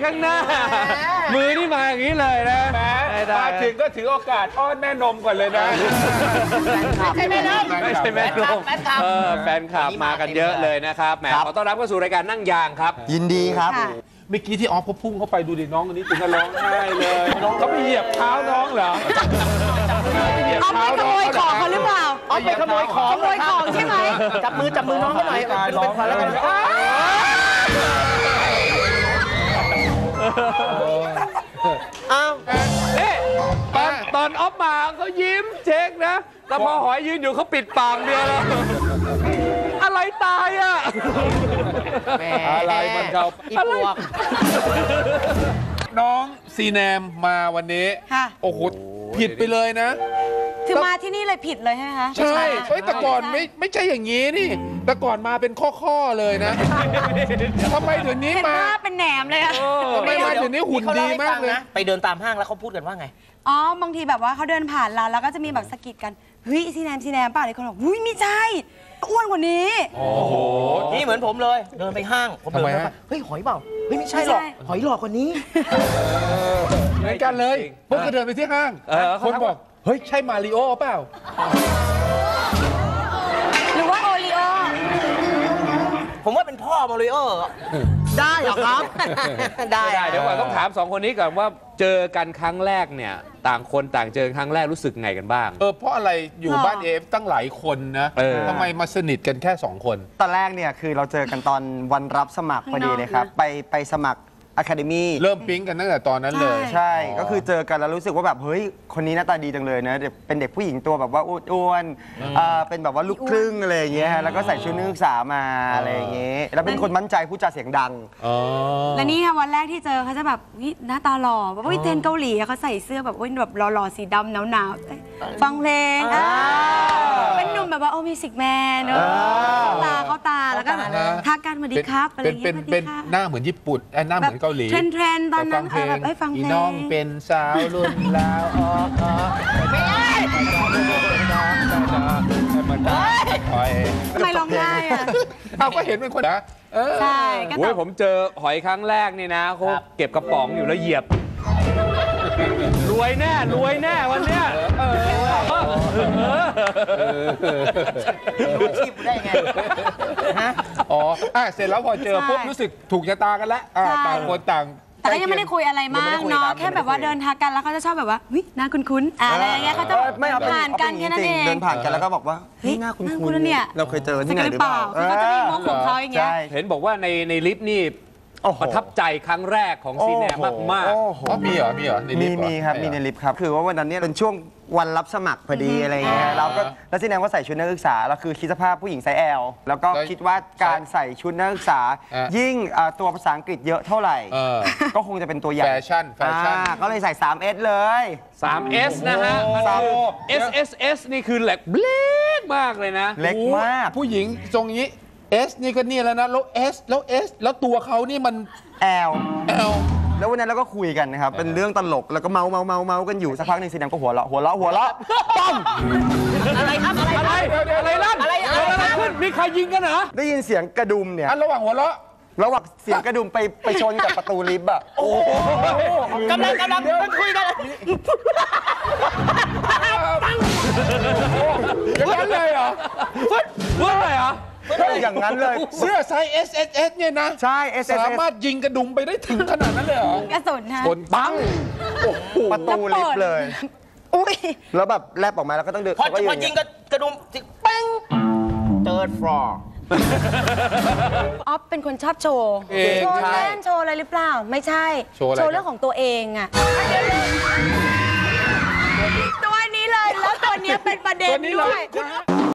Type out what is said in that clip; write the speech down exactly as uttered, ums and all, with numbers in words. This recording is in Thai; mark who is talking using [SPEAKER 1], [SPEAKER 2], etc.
[SPEAKER 1] ข้างหน้ามือนี่มาอย่างนี้เลยนะ
[SPEAKER 2] มาถึงก็ถือโอกาสอ้อนแม่นมก่อนเลยนะ
[SPEAKER 1] ไม่ใช่แม่นมไม่ใช่แม่นมเออแฟนคลับมากันเยอะเลยนะครับแหมขอต้อนรับเข้าสู่รายการนั่งยางครับ
[SPEAKER 3] ยินดีครับ
[SPEAKER 2] เมื่อกี้ที่ออฟเขาพุ่งเข้าไปดูดิน้องคนนี้ถึงกับร้องไห้เลยเขาไปเหยียบเท้าน้องเหรอ
[SPEAKER 4] เอาไปขโมยของเขาหรือเปล่า
[SPEAKER 2] เอาไปขโมยของ
[SPEAKER 4] ขโมยของใช่ไหม
[SPEAKER 5] จับมือจับมือน้องเขาหน่อยเป็นขวัญแล้วกัน
[SPEAKER 1] อ้าวเอ๊ะตอนตอนออฟมาเขายิ้มเช็คนะแต่พอหอยยืนอยู่เขาปิดปากเดียวแล้วอะไรตายอ่ะ
[SPEAKER 2] อะไรมันเขาอะไรน้องซีแนมมาวันนี้โอ้โหผิดไปเลยนะ
[SPEAKER 4] คือมาที่นี่เลยผิดเลยใช่ไหมคะ
[SPEAKER 2] ใช่แต่ก่อนไม่ไม่ใช่อย่างนี้นี่แต่ก่อนมาเป็นข้อๆเลยนะทำไมเดี๋ยวนี้มา
[SPEAKER 4] เป็นแหนมเลยอะ
[SPEAKER 2] ทำไมมาเดี๋ยวนี้หุ่นดีมากเลย
[SPEAKER 5] ไปเดินตามห้างแล้วเขาพูดกันว่าไง
[SPEAKER 4] อ๋อบางทีแบบว่าเขาเดินผ่านเราแล้วก็จะมีแบบสะกิดกันเฮ้ยซีแนมซีแนมป่ะเลยคนบอกหุ้ยไม่ใช่อ้วนกว่านี้
[SPEAKER 2] โอ้โห
[SPEAKER 5] นี่เหมือนผมเลยเดินไปห้างผมเดินไปเฮ้ยหอยเปล่าเฮ้ยไม่ใช่หรอกหอยหลอกกว่านี้
[SPEAKER 2] เหมือนกันเลยพวกก็เดินไปที่ห้างคนบอกเฮ้ยใช่มาริโอเปล่า
[SPEAKER 4] หรือว่าโอริโอ
[SPEAKER 5] ผมว่าเป็นพ่อมาริโอได้เหรอครับ
[SPEAKER 1] ได้เดี๋ยวก่อนต้องถามสองคนนี้ก่อนว่าเจอกันครั้งแรกเนี่ยต่างคนต่างเจอครั้งแรกรู้สึกไงกันบ้าง
[SPEAKER 2] เออเพราะอะไรอยู่บ้านเอฟตั้งหลายคนนะทำไมมาสนิทกันแค่สองคน
[SPEAKER 3] ตอนแรกเนี่ยคือเราเจอกันตอนวันรับสมัครพอดีเลยครับไปไปสมัครอะคาเดมี่
[SPEAKER 2] เริ่มปิ๊งกันตั้งแต่ตอนนั้นเลย
[SPEAKER 3] ใช่ก็คือเจอกันแล้วรู้สึกว่าแบบเฮ้ยคนนี้หน้าตาดีจังเลยนะเป็นเด็กผู้หญิงตัวแบบว่าอ้วนๆเป็นแบบว่าลูกครึ่งอะไรอย่างเงี้ยแล้วก็ใส่ชุดนักศึกษามาอะไรอย่างเงี้ยแล้วเป็นคนมั่นใจพูดจาเสียงดัง
[SPEAKER 4] และนี่วันแรกที่เจอเขาจะแบบหน้าตาหล่อแบบว่าเทนเกาหลีเขาใส่เสื้อแบบว่าแบบหล่อๆสีดำหนาวๆฟังเพลงเป็นหนุ่มแบบว่าโอ้มิวสิกแมนเนอะตาเขาตาแล้วก็ทักกันสวัสดีครับอะไรอย่างเงี้ย
[SPEAKER 2] เป็นหน้าเหมือนญี่ปุ่นหน้าเหมือนเกาหลี
[SPEAKER 4] เทรนเทรนตอนนั้นแบบให้ฟังเพลง
[SPEAKER 2] น้องเป็นสาวรุ่นลาวอ๋อไม่ใช่
[SPEAKER 4] ทำไมร้องไห้อะ
[SPEAKER 2] เราก็เห็นเป็นคนนะ
[SPEAKER 4] ใช่
[SPEAKER 1] โอ้ยผมเจอหอยครั้งแรกนี่นะเขาเก็บกระป๋องอยู่แล้วเหยียบรวยแน่รวยแน่วันเนี้ย
[SPEAKER 5] รู้ชีพได้ไง
[SPEAKER 2] ฮะอ๋อเสร็จแล้วพอเจอปุ๊บรู้สึกถูกชะตากันแล้วต่างคนต่าง
[SPEAKER 4] แต่ก็ยังไม่ได้คุยอะไรมากเนาะแค่แบบว่าเดินทางกันแล้วเขาจะชอบแบบว่าวิหน้าคุ้นๆอะไรอย่างเงี้ยเขาจะผ่านกันแค่นั้นเอง
[SPEAKER 3] เดินผ่านกันแล้วก็บอกว่าเฮ้ยหน้าคุ้นๆเนี่ยเราเคยเจอที่ไหนหรือเปล่า
[SPEAKER 4] คือเขาจะมีมุกของเขาอย่างเงี้ย
[SPEAKER 1] เห็นบอกว่าในในลิฟต์นี่ประทับใจครั้งแรกของซีแนมมาก
[SPEAKER 2] ๆมีเหรอมีเหรอ
[SPEAKER 3] มีมีครับมีในลิฟต์ครับคือว่าวันนั้นเนี่ยเป็นช่วงวันรับสมัครพอดีอะไรเงี้ยเราก็แล้วซีแนมก็ใส่ชุดนักศึกษาเราคือคิดสภาพผู้หญิงไซส์ แอล แล้วก็คิดว่าการใส่ชุดนักศึกษายิ่งตัวภาษาอังกฤษเยอะเท่าไหร่ก็คงจะเป็นตัวใหญ่
[SPEAKER 2] แฟชั่นแฟชั่น
[SPEAKER 3] ก็เลยใส่ ทรี เอส เลย
[SPEAKER 1] ทรี เอส นะฮะ เอส เอส เอส นี่คือเล็กเล็กมากเลยนะ
[SPEAKER 3] เล็กมาก
[SPEAKER 2] ผู้หญิงทรงนี้ S นี่ก็นี่แล้วนะแล้ว S แล้ว S แล้วตัวเขานี่มัน
[SPEAKER 3] แอล
[SPEAKER 2] L
[SPEAKER 3] แล้ววันนั้นเราก็คุยกันนะครับเป็นเรื่องตลกแล้วก็เมาเมาเมาเมากันอยู่สักพักหนึ่งซีแนมก็หัวเราะหัวเราะหัวเราะปั้ม
[SPEAKER 5] อะไรครับอะไร
[SPEAKER 1] อะไรลั่นอะไรอะไรขึ้นมีใครยิงกันเหรอ
[SPEAKER 3] ได้ยินเสียงกระดุมเนี่ย
[SPEAKER 2] ระหว่างหัวเราะ
[SPEAKER 3] ระหว่างเสียงกระดุมไปไปชนกับประตูลิฟต์อะ
[SPEAKER 5] โอ้กำลังกำลังคุยกัน
[SPEAKER 2] อย่างนั้นเลยเหรอ
[SPEAKER 1] ว่าอะไรเหรอ
[SPEAKER 3] อย่างนั้นเลย
[SPEAKER 2] เสื้อไซส์ เอส เอส เอส เนี่ยนะ
[SPEAKER 3] ใช่ เอส เอส เอส
[SPEAKER 2] สามารถยิงกระดุมไปได้ถึงขนาดนั้นเลยเหรอก
[SPEAKER 4] ระสุนฮะ
[SPEAKER 1] คนปัง
[SPEAKER 3] ประตูลิฟต์เลยอุ้ยแล้วแบบแลบออกมาแล้วก็ต้องเดิน
[SPEAKER 5] พอพอยิงกระดุมเป้ง third floor
[SPEAKER 4] อ๊อฟเป็นคนชอบโชว์โชว์เล่นโชว์อะไรหรือเปล่าไม่ใช่โชว์เรื่องของตัวเองอะตัวนี้เลยแล้วตัวนี้เป็นประเด็นด้วย